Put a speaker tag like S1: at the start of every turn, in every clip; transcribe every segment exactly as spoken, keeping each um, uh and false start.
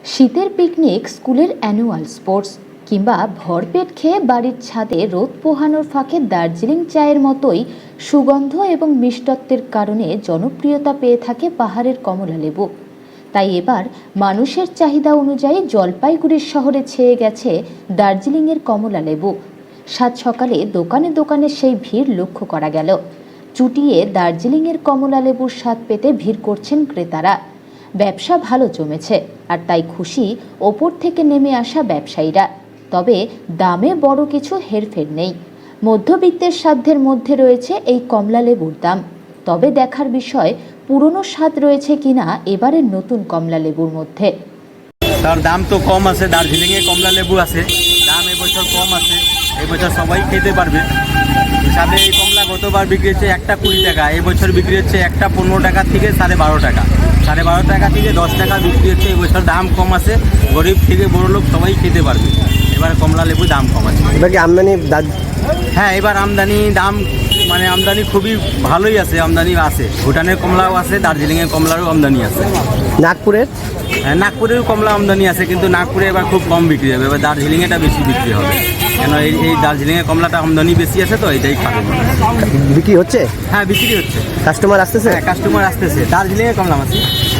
S1: শীতের পিকনিক, স্কুলের annual sports কিংবা ভরপেট খেয়ে বাড়ির ছাদে রোদ পোহানোর ফাঁকে দার্জিলিং চায়ের মতোই সুগন্ধ এবং মিষ্টত্বের কারণে জনপ্রিয়তা পেয়ে থাকে পাহাড়ের কমলা লেবু। তাই এবার মানুষের চাহিদা অনুযায়ী জলপাইগুড়ির শহরে ছেয়ে গেছে দার্জিলিংয়ের কমলা লেবু। সাত সকালে দোকানে দোকানে সেই ভিড় লক্ষ্য করা গেল। চুটিয়ে দার্জিলিংয়ের কমলা লেবুর স্বাদ পেতে ভিড় করছেন ক্রেতারা। ব্যবসা ভালো জমেছে, আর তাই খুশি ওপর থেকে নেমে আসা ব্যবসায়ীরা। তবে দামে বড় কিছু হেরফের নেই। মধ্যবিত্তের সাধ্যের মধ্যে রয়েছে এই কমলা লেবুর দাম। তবে দেখার বিষয় পুরনো স্বাদ রয়েছে কিনা এবারের নতুন কমলা লেবুর মধ্যে।
S2: তার দাম তো কম আছে, দার্জিলিংয়ে কমলা লেবু আছে, দাম এবছর কম আছে, এবছর সবাই খেতে পারবে হিসাবে। এই কমলা গতবার বিক্রি হচ্ছে একটা কুড়ি টাকা, এবছর বিক্রি হচ্ছে একটা পনেরো টাকা থেকে সাড়ে বারো টাকা, সাড়ে বারো টাকা থেকে দশ টাকা বিক্রি হচ্ছে। এবছর দাম কম আছে, গরিব থেকে বড় লোক সবাই খেতে পারবে। এবার কমলা লেবু দাম কম আছে।
S3: এবার কি আমদানি?
S2: হ্যাঁ, এবার আমদানি দাম মানে আমদানি খুবই ভালোই আছে, আমদানি আছে। ভুটানের কমলাও আছে, দার্জিলিংয়ের কমলারও আমদানি আছে।
S3: নাগপুরের
S2: হ্যাঁ, নাগপুরেরও কমলা আমদানি আছে, কিন্তু নাগপুরে এবার খুব কম বিক্রি হবে। এবার দার্জিলিংয়েটা বেশি বিক্রি হবে, কেন এই এই দার্জিলিংয়ের কমলাটা আমদানি বেশি আছে, তো এটাই খাবে।
S3: বিক্রি হচ্ছে?
S2: হ্যাঁ, বিক্রি হচ্ছে,
S3: কাস্টমার আসতেছে?
S2: হ্যাঁ কাস্টমার আসতেছে। দার্জিলিংয়ের কমলা আছে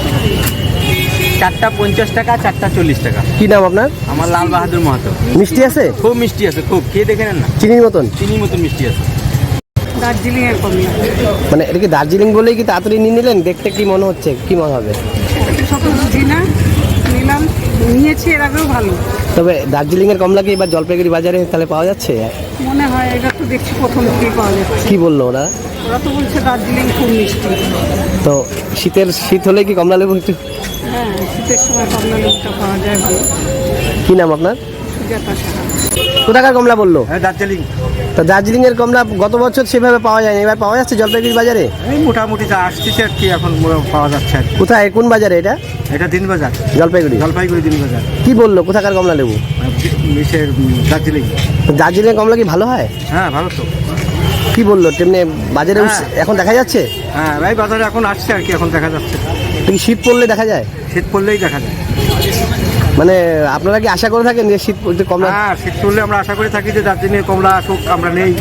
S2: চারটা পঞ্চাশ টাকা, চারটা চল্লিশ টাকা।
S3: কি নাম আপনার?
S2: আমার লাল বাহাদুর মাহাতো।
S3: মিষ্টি আছে?
S2: খুব মিষ্টি আছে, খুব। খেয়ে দেখে নেন না,
S3: চিনির মতন?
S2: চিনির মতন মিষ্টি আছে।
S4: দার্জিলিংয়ের কমলা,
S3: মানে এটা কি দার্জিলিং বলেই কি তাড়াতাড়ি নিয়ে নিলেন? দেখতে কি মনে হচ্ছে, কি মনে হবে?
S4: শত বুঝি না, নিলাম, নিয়েছি এর আগেও ভালো।
S3: তবে দার্জিলিংয়ের কমলা কি এবার জলপাইগুড়ি বাজারে তাহলে পাওয়া যাচ্ছে?
S4: মনে হয় এটা তো দেখছি প্রথম থেকেই পাওয়া যাচ্ছে।
S3: কি বললো ওরা?
S4: ওরা তো বলছে দার্জিলিং খুব মিষ্টি।
S3: তো শীতের শীত হলে কি কমলা লেবু একটু?
S4: হ্যাঁ, শীতের সময় কমলা লেবুটা পাওয়া যায় ভালো।
S3: কি নাম আপনার?
S4: সুজাতা সাহা।
S3: কোথাকার কমলা বললো?
S2: হ্যাঁ, দার্জিলিং।
S3: তো দার্জিলিংয়ের কমলা গত বছর সেভাবে পাওয়া যায়নি, এবার পাওয়া যাচ্ছে জলপাইগুড়ি বাজারে?
S2: এই মোটামুটি যা আসতেছে আর কি, এখন পাওয়া যাচ্ছে আর কি।
S3: কোথায়, কোন বাজারে এটা?
S2: এটা দিনবাজার,
S3: জলপাইগুড়ি।
S2: জলপাইগুড়ি দিনবাজার।
S3: কি বললো কোথাকার কমলা লেবু?
S2: মিশের দার্জিলিং।
S3: দার্জিলিং কমলা কি ভালো হয়?
S2: হ্যাঁ, ভালো তো।
S3: কি বললো তেমনি বাজারে
S2: হ্যাঁ।
S3: এখন দেখা যাচ্ছে?
S2: হ্যাঁ ভাই, বাজারে এখন আসছে আর কি, এখন দেখা যাচ্ছে।
S3: কি শীত পড়লে দেখা যায়?
S2: শীত পড়লেই দেখা যায়।
S3: মানে আপনারা কি আশা করে থাকেন যে শীত পড়তে কমলা?
S2: হ্যাঁ, শীত পড়লে আমরা আশা করে থাকি যে দার্জিলিংয়ের কমলা আসুক, আমরা নেই।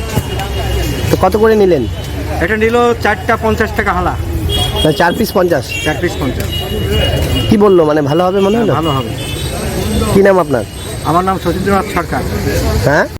S3: তো কত করে নিলেন?
S2: এটা নিল চারটা পঞ্চাশ টাকা হালা।
S3: মানে চার পিস পঞ্চাশ?
S2: চার পিস পঞ্চাশ।
S3: কি বললো, মানে ভালো হবে মনে হলো?
S2: ভালো হবে।
S3: কি নাম আপনার?
S2: আমার নাম সতীন্দ্রনাথ সরকার।
S3: হ্যাঁ।